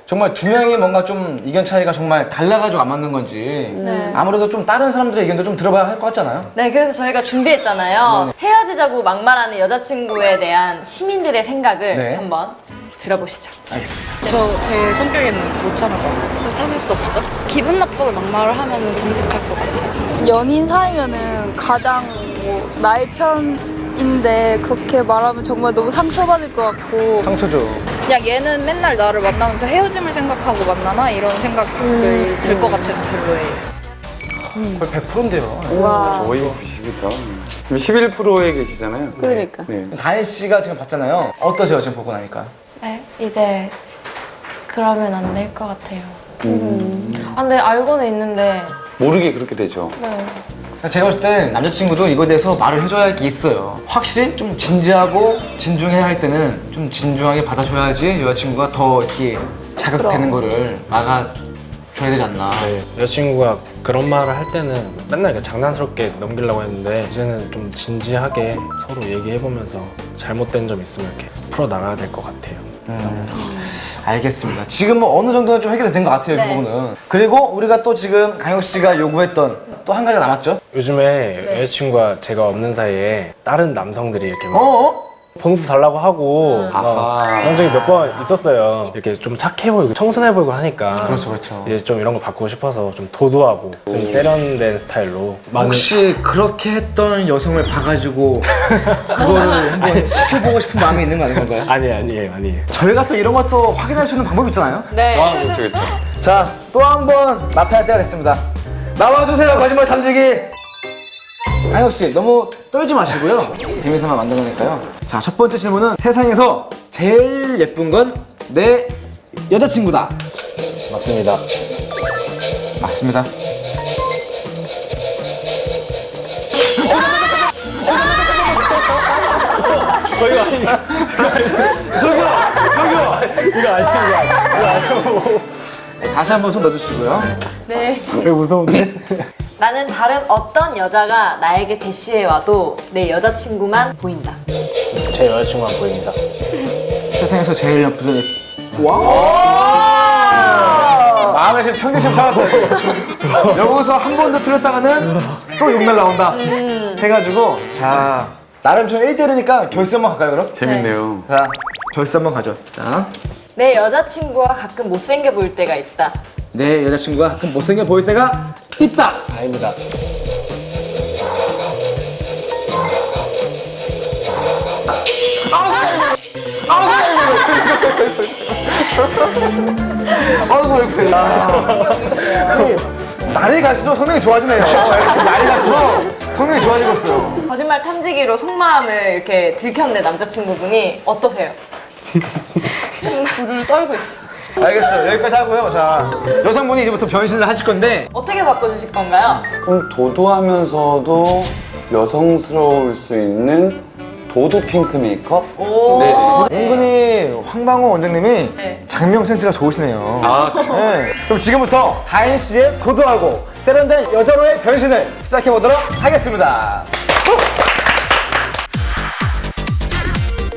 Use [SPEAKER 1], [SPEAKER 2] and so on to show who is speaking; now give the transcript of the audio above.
[SPEAKER 1] 정말 두 명이 뭔가 좀 의견 차이가 정말 달라가지고 안 맞는 건지
[SPEAKER 2] 네.
[SPEAKER 1] 아무래도 좀 다른 사람들의 의견도 좀 들어봐야 할 것 같지 않아요?
[SPEAKER 2] 네, 그래서 저희가 준비했잖아요. 헤어지자고 막말하는 여자친구에 대한 시민들의 생각을
[SPEAKER 1] 네.
[SPEAKER 2] 한번 들어보시죠.
[SPEAKER 1] 알겠습니다.
[SPEAKER 3] 저 제 성격에는 못 참을 것 같아요. 참을 수 없죠. 기분 나쁘게 막말을 하면 정색할 것 같아요.
[SPEAKER 4] 연인 사이면은 가장 뭐 나의 편인데 그렇게 말하면 정말 너무 상처받을 것 같고
[SPEAKER 1] 상처죠.
[SPEAKER 3] 그냥 얘는 맨날 나를 만나면서 헤어짐을 생각하고 만나나 이런 생각을 들 것 같아서 별로예요.
[SPEAKER 1] 거의 100%인데요.
[SPEAKER 5] 거의 90이다. 11%에 계시잖아요.
[SPEAKER 2] 그러니까.
[SPEAKER 5] 네.
[SPEAKER 1] 다혜 씨가 지금 봤잖아요. 어떠세요, 지금 보고 나니까?
[SPEAKER 6] 네, 이제 그러면 안 될 것 같아요. 아, 근데 알고는 있는데
[SPEAKER 5] 모르게 그렇게 되죠.
[SPEAKER 6] 네.
[SPEAKER 1] 제가 봤을 땐 남자친구도 이거에 대해서 말을 해줘야 할 게 있어요. 확실히 좀 진지하고 진중해야 할 때는 좀 진중하게 받아줘야지 여자친구가 더 이렇게 자극되는 거를 막아줘야 되지 않나.
[SPEAKER 7] 네, 여자친구가 그런 말을 할 때는 맨날 이렇게 장난스럽게 넘기려고 했는데 이제는 좀 진지하게 서로 얘기해보면서 잘못된 점 있으면 이렇게 풀어나가야 될 것 같아요.
[SPEAKER 1] 알겠습니다. 지금 뭐 어느 정도는 좀 해결이 된 것 같아요, 이 부분은. 그리고 우리가 또 지금 강혁 씨가 요구했던 또 한 가지가 남았죠?
[SPEAKER 7] 요즘에 여자친구가 제가 없는 사이에 다른 남성들이 이렇게 막
[SPEAKER 1] 어어?
[SPEAKER 7] 봉수 달라고 하고
[SPEAKER 5] 아하.
[SPEAKER 7] 그런 적이 몇 번 있었어요. 이렇게 좀 착해 보이고 청순해 보이고 하니까
[SPEAKER 1] 그렇죠, 그렇죠.
[SPEAKER 7] 이제 좀 이런 거 바꾸고 싶어서 좀 도도하고 좀 세련된 스타일로 많은
[SPEAKER 1] 혹시 그렇게 했던 여성을 봐가지고 그거를 한번 지켜보고 싶은 마음이 있는 거 아닌 건가요?
[SPEAKER 7] 아니에요.
[SPEAKER 1] 저희가 또 이런 것도 확인할 수 있는 방법이 있잖아요?
[SPEAKER 2] 네.
[SPEAKER 5] 아, 그렇죠, 그렇죠.
[SPEAKER 1] 자, 또 한 번 나타날 때가 됐습니다. 나와주세요, 거짓말 탐지기! 강혁 씨, 너무 떨지 마시고요. 재미삼아 만든 거니까요. 자, 첫 번째 질문은 세상에서 제일 예쁜 건 내 여자친구다.
[SPEAKER 7] 맞습니다.
[SPEAKER 1] 맞습니다.
[SPEAKER 7] 이거 아니니까. 저기요! 이거 아니에요.
[SPEAKER 1] 다시 한 번 손 넣어주시고요.
[SPEAKER 2] 네.
[SPEAKER 7] 왜 무서운데?
[SPEAKER 2] 나는 다른 어떤 여자가 나에게 대시해 와도 내 여자친구만 보인다.
[SPEAKER 7] 제 여자친구만 보입니다.
[SPEAKER 1] 세상에서 제일 예쁜 마음에 지금 평균심 찾았어요. 여기서 한 번 더 틀렸다가는 또 욕날 나온다. 해가지고 자 나름 좀 1대1이니까 결승 한번 갈까요 그럼?
[SPEAKER 5] 재밌네요.
[SPEAKER 1] 자 결승 한번 가죠. 자,
[SPEAKER 2] 내 여자친구가 가끔 못생겨 보일 때가 있다.
[SPEAKER 1] 내 여자친구가 가끔 못생겨 보일 때가 있다.
[SPEAKER 7] 아닙니다.
[SPEAKER 1] 아이고 왜 그래. 아니, 날이 갈수록 성능이 좋아지네요. 날이 갈수록 성능이 좋아지고 있어요.
[SPEAKER 2] 거짓말 탐지기로 속마음을 이렇게 들켰네, 남자친구분이. 어떠세요? 불을 떨고 있어.
[SPEAKER 1] 알겠어요. 여기까지 하고요. 자 여성분이 이제부터 변신을 하실 건데
[SPEAKER 2] 어떻게 바꿔주실 건가요?
[SPEAKER 5] 그럼 도도하면서도 여성스러울 수 있는 도도 핑크 메이크업?
[SPEAKER 2] 오.
[SPEAKER 5] 네.
[SPEAKER 1] 은근히 황방호 원장님이
[SPEAKER 2] 네.
[SPEAKER 1] 장명 센스가 좋으시네요.
[SPEAKER 5] 아,
[SPEAKER 1] 네. 그럼 지금부터 다인 씨의 도도하고 세련된 여자로의 변신을 시작해 보도록 하겠습니다.